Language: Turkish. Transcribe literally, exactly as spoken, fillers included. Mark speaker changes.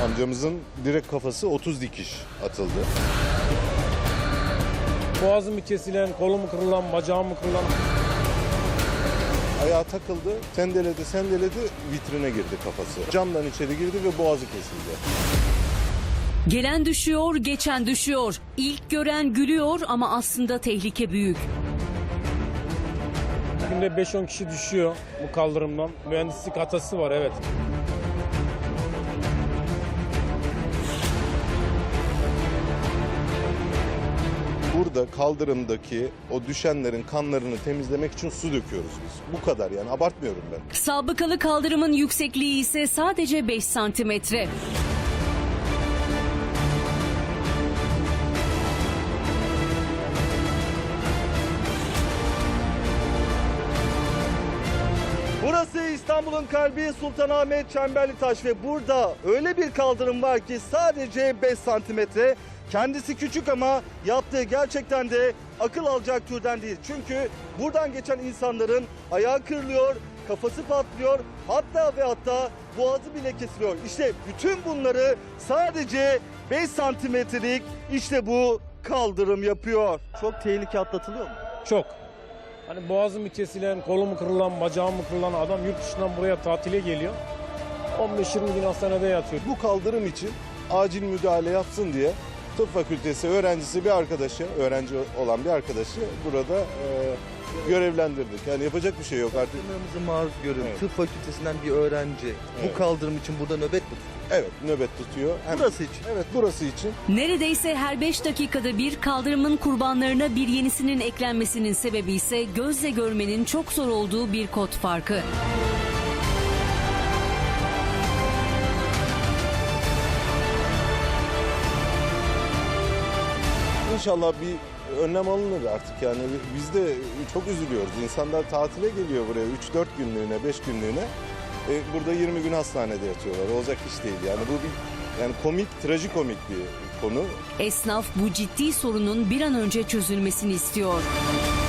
Speaker 1: Amcamızın direkt kafası otuz dikiş atıldı.
Speaker 2: Boğazım mı kesilen, kolum mu kırılan, bacağım mı kırılan?
Speaker 1: Ayağı takıldı, sendeledi sendeledi, vitrine girdi kafası. Camdan içeri girdi ve boğazı kesildi.
Speaker 3: Gelen düşüyor, geçen düşüyor. İlk gören gülüyor ama aslında tehlike büyük.
Speaker 2: Günde beş on kişi düşüyor bu kaldırımdan. Mühendislik hatası var, evet.
Speaker 1: Burada kaldırımdaki o düşenlerin kanlarını temizlemek için su döküyoruz biz. Bu kadar, yani abartmıyorum ben.
Speaker 3: Sabıkalı kaldırımın yüksekliği ise sadece beş santimetre.
Speaker 4: Burası İstanbul'un kalbi Sultanahmet Çemberlitaş ve burada öyle bir kaldırım var ki sadece beş santimetre. Kendisi küçük ama yaptığı gerçekten de akıl alacak türden değil. Çünkü buradan geçen insanların ayağı kırılıyor, kafası patlıyor, hatta ve hatta boğazı bile kesiliyor. İşte bütün bunları sadece beş santimetrelik işte bu kaldırım yapıyor. Çok tehlike atlatılıyor mu?
Speaker 2: Çok. Hani boğazım mı kesilen, kolum mu kırılan, bacağım mı kırılan adam yurt dışından buraya tatile geliyor. on beş yirmi gün hastanede yatıyor.
Speaker 1: Bu kaldırım için acil müdahale yapsın diye tıp fakültesi öğrencisi bir arkadaşı, öğrenci olan bir arkadaşı burada e, görevlendirdik. Yani yapacak bir şey yok artık.
Speaker 4: Kaldırımımızı maruz görün.
Speaker 1: Evet.
Speaker 4: Tıp fakültesinden bir öğrenci
Speaker 1: Evet.
Speaker 4: bu kaldırım için burada nöbet mi tutuyor?
Speaker 1: Evet, nöbet tutuyor. Hem-
Speaker 4: Burası için.
Speaker 1: Evet, burası için.
Speaker 3: Neredeyse her beş dakikada bir kaldırımın kurbanlarına bir yenisinin eklenmesinin sebebi ise gözle görmenin çok zor olduğu bir kod farkı.
Speaker 1: İnşallah bir önlem alınır artık, yani biz de çok üzülüyoruz. İnsanlar tatile geliyor buraya üç dört günlüğüne, beş günlüğüne. E, burada yirmi gün hastanede yatıyorlar. Olacak iş değil yani. Bu bir yani komik, trajikomik bir konu.
Speaker 3: Esnaf bu ciddi sorunun bir an önce çözülmesini istiyor.